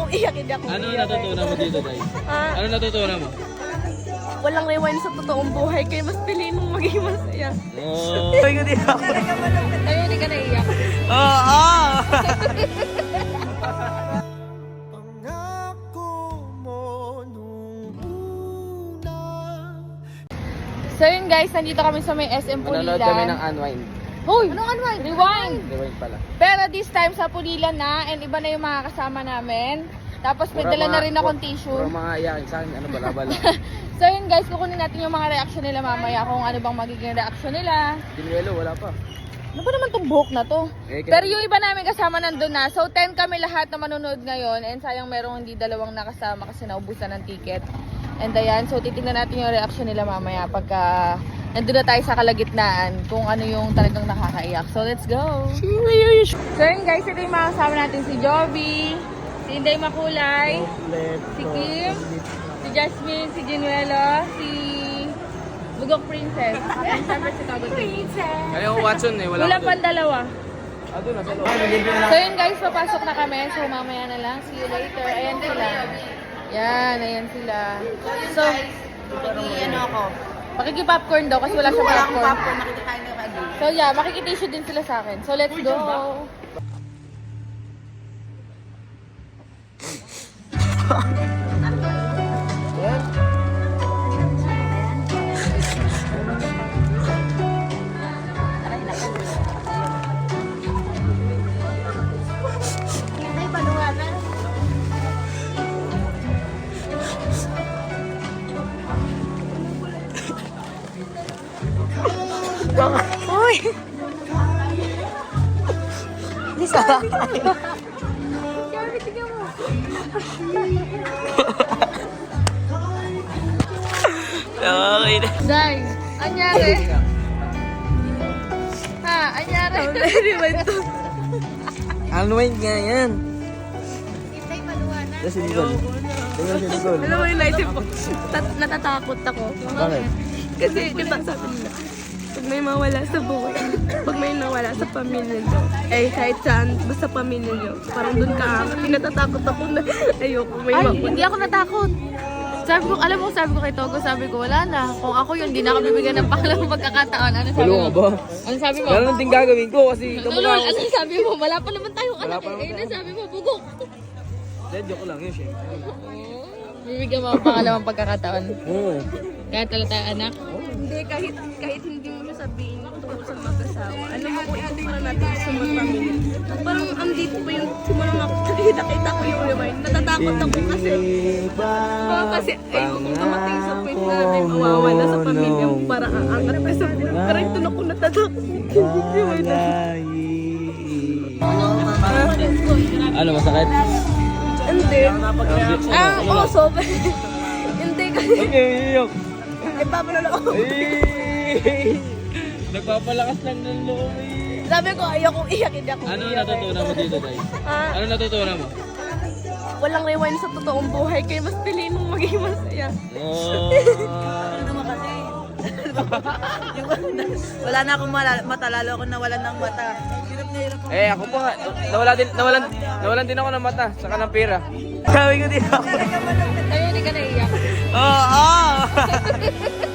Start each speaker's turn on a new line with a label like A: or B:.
A: kung iyak, hindi ako
B: Ano
A: iyak.
B: natutunan mo dito, guys?
A: Ah,
B: Ano natutunan mo?
A: walang rewind sa totoong buhay, kaya mas piliin mong maging masaya.
B: Oh.
C: Sabi ko din ako.
A: Tayo, hindi ka naiyak.
C: Oo!
A: So yun guys, nandito kami sa may SM
B: Manonood kami ng
A: Pulilan.
B: Unwind.
A: Hoy! Anong unwind? Rewind!
B: Rewind pala.
A: Pero this time sa Pulilan na, and iba na yung mga kasama namin. Tapos may dala na rin akong tissue.
B: Puro mga iyakin sa akin, ano bala-bala.
A: So yun guys, kukunin natin yung mga reaction nila mamaya kung ano bang magiging reaction nila.
B: Dinuelo, wala pa.
A: Ano ba naman tong buhok na to?
B: Eh,
A: Pero yung iba namin kasama nandun na. So 10 kami lahat na manonood ngayon. And sayang merong hindi dalawang nakasama kasi naubusan ng ticket. And ayan, so titignan natin yung reaction nila mamaya pagka nandun na tayo sa kalagitnaan kung ano yung talagang nakakaiyak. So let's go! So yun guys, ito yung mga kasama natin, si Joby, si Inday Makulay, si Kim, si Jasmine, si Ginuelo, si Bugok Princess, and syempre si Tagot Princess.
B: Ayaw ko Watson eh, wala
A: Wala
B: ko
A: pang dalawa.
B: Ah, doon, nasa loob.
A: So yun guys, papasok na kami. So mamaya na lang. See you later. Ayan sila. Yan, ayan sila. So,
D: Ano ako?
A: makikipopcorn daw kasi wala siyang
D: Wala akong
A: popcorn.
D: popcorn, nakikikain ko kay
A: So yeah, makikitissue din sila sa akin. So let's go. Uy! Gabi, tignan mo.
C: Okay na.
A: Day, anyari? Ha, anyari?
C: Unwind nga yan. Yes, si Nicole. Tingnan si Nicole.
A: Alam mo yung naisip ko, natatakot ako.
C: Bakit?
A: Kasi, di ba sabi nila, pag may mawala sa buhay, pag may nawala sa pamilya nyo, eh kahit saan, basta pamilya nyo, parang dun ka angat. Natatakot ako na ayoko may mawala. Hindi ako natakot. Sabi ko, alam mo, sabi ko kay Togo, sabi ko, wala na. Kung ako yun, di na ako bibigyan ng pangalawang pagkakataon. Ano sabi
B: Walo
A: mo?
B: nga ba?
A: Ano sabi mo?
B: Meron din gagawin ko kasi
A: Lolo, ano sabi mo? Wala pa naman tayong
B: Wala
A: anak.
B: pa naman
A: Eh,
B: tayo.
A: sabi mo, bugok.
B: Joke lang yun, syempre.
A: Bibigyan mo ang pangalawang pagkakataon.
B: Oo.
A: Kahit wala tayong anak.
D: Hindi, kahit hindi mo siya sabihin tungkol sa mag-asawa. Ano mo kung ikukulang natin sa mag-pamilya. Parang andito pa yung simula nga nakita ko yung rewind. Natatakot ako kasi kasi ayoko kung dumating sa point na may mawawala sa pamilya mo para aangat pa sa buhay. Pero ito na ko natatakot.
B: Ano, masakit?
D: Hindi. Oo, sobrang. Hindi kasi.
B: Okay,
D: Eh, babalo ako.
B: Nagpapalakas lang ng loob eh.
D: Sabi ko, ayokong iyak, hindi ako
B: Ano
D: iyak.
B: natutunan mo dito, guys?
A: Ah,
B: Ano natutunan mo?
A: walang rewind sa totoong buhay, kaya mas piliin mong maging masaya.
B: Oh.
D: Ano naman kasi? Wala na akong mata, lalo ako nawalan ng mata. Hirap na hirap ako.
B: Eh, ako pa nga. Nawalan din ako ng mata, saka ng pera.
C: Sabi ko din ako.
A: Tayo, hindi ka naiyak.
C: Oo!